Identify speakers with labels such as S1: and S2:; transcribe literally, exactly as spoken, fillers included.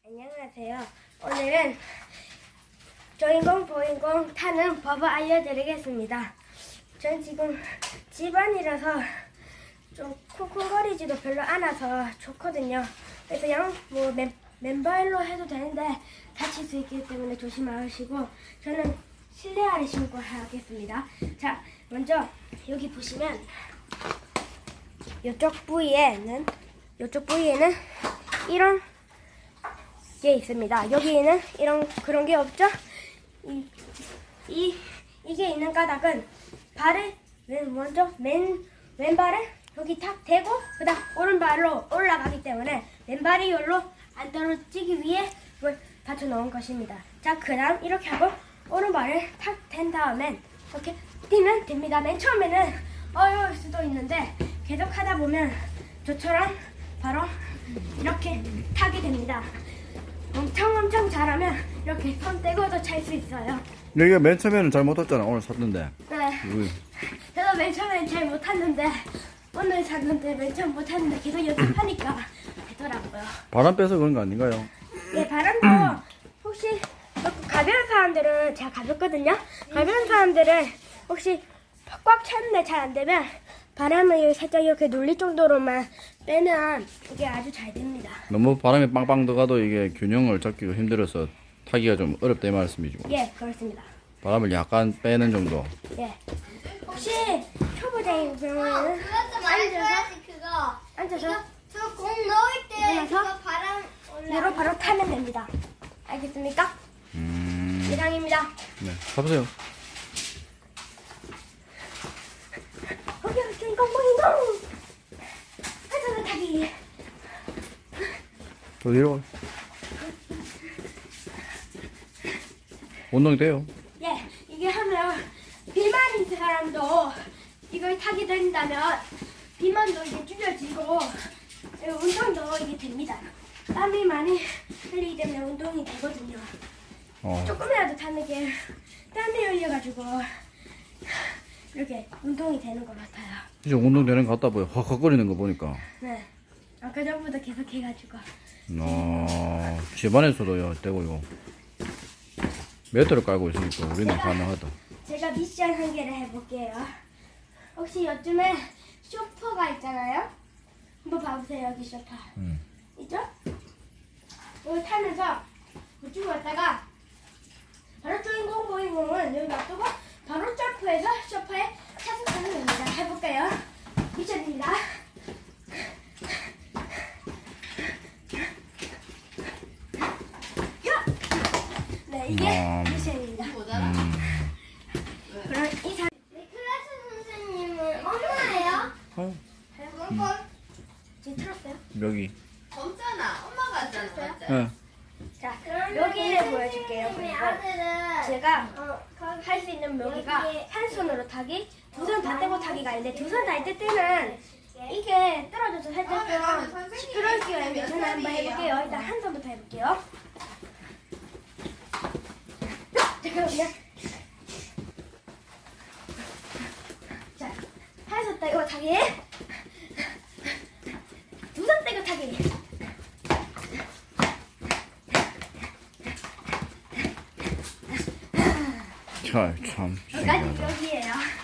S1: 안녕하세요. 오늘은 주인공 보인공 타는 법을 알려드리겠습니다. 전 지금 집안이라서 좀 쿵쿵거리지도 별로 않아서 좋거든요. 그래서 그냥 뭐 맨, 맨발로 해도 되는데 다칠 수 있기 때문에 조심하시고 저는 실내화를 신고 하겠습니다. 자, 먼저 여기 보시면 이쪽 부위에는 이쪽 부위에는 이런 게 있습니다. 여기에는 이런 그런 게 없죠? 이, 이 이게 있는 까닭은 발을 맨 먼저 맨 왼발을 여기 탁 대고 그다음 오른발로 올라가기 때문에 왼발이 여기로 안 떨어지기 위해 이걸 받쳐 놓은 것입니다. 자, 그다음 이렇게 하고 오른발을 탁 댄 다음엔 이렇게 뛰면 됩니다. 맨 처음에는 어려울 수도 있는데 계속 하다 보면 저처럼 바로 이렇게 타게 됩니다. 엄청 엄청 잘하면 이렇게 손 떼고도 찰 수 있어요.
S2: 여기가 맨 처음에는 잘 못했잖아. 오늘 샀는데.
S1: 네.
S2: 우리
S1: 저도 맨 처음엔 잘 못했는데 오늘 샀는데 맨 처음 못했는데 계속 연습하니까 되더라고요.
S2: 바람 빼서 그런 거 아닌가요?
S1: 네, 바람도 혹시 가벼운 사람들은 제가 가볍거든요. 가벼운 사람들은 혹시 꽉 찼는데 잘 안 되면 바람을 살짝 이렇게 눌릴 정도로만 빼면 이게 아주 잘 됩니다.
S2: 너무 바람이 빵빵 들어가도 이게 균형을 잡기가 힘들어서 타기가 좀 어렵다 이 말씀이죠.
S1: 예, 그렇습니다.
S2: 바람을 약간 빼는 정도.
S1: 예. 혹시 초보자인 경우에는
S3: 그것도 말해줘야지 그거.
S1: 앉아서
S3: 저 공 넣을 때
S1: 일어나서
S3: 그거 바람
S1: 위로
S3: 올라.
S1: 바로 타면 됩니다. 알겠습니까?
S2: 음.
S1: 이상입니다.
S2: 네. 가보세요.
S1: 거기 주인공 보인공! 앉아서 타기.
S2: 더 내려와. 운동이 돼요.
S1: 예, 이게 하면 비만인 사람도 이걸 타게 된다면 비만도 이게 줄여지고 운동도 이게 됩니다. 땀이 많이 흘리기 때문에 운동이 되거든요.
S2: 어.
S1: 조금이라도 타는 게 땀이 흘려가지고 이렇게 운동이 되는 것 같아요.
S2: 이제 운동 되는 것 같다 보여. 확확거리는 거 보니까.
S1: 네, 아까 전부터 계속 해가지고
S2: 어. 집안에서도요. 되고요. 매트를 깔고 있으니까 우리는 가능하다.
S1: 제가 미션 한 개를 해볼게요. 혹시 요즘에 쇼퍼가 있잖아요? 한번 봐보세요. 여기 쇼파
S2: 음.
S1: 있죠? 이걸 타면서 이쪽으로 왔다가 바로 주인공 보이공은 여기 놔두고 바로 점프해서 쇼파에 차승하는 겁니다. 해볼까요? 미션입니다. 네, 이게
S2: 음.
S1: 미션입니다.
S2: 음.
S1: 그럼 이 사...
S3: 네, 클래스 선생님은 엄마예요?
S2: 어.
S3: 건
S1: 지금 틀었어요?
S2: 여기.
S4: 없잖아. 엄마가 왔잖아. 맞지?
S2: 예.
S1: 자, 여기를 보여줄게요.
S3: 선생님의
S1: 그리고
S3: 아들은
S1: 제가
S3: 어, 거기
S1: 할 수 있는 묘기가
S3: 여기에
S1: 한 손으로 타기, 두 손 다 떼고 타기가 있는데 두 손 다 뗄 때는 이게 떨어져서 살짝 좀 시끄러울 수가 있는데 저는 한번 해볼게요. 일단 한 손부터 해볼게요. 잠깐만요. 자, 한 손 떼고 타기, 두 손 떼고 타기.
S2: 자, 참.
S1: 여기까지
S2: 신기하다.
S1: 묘기예요.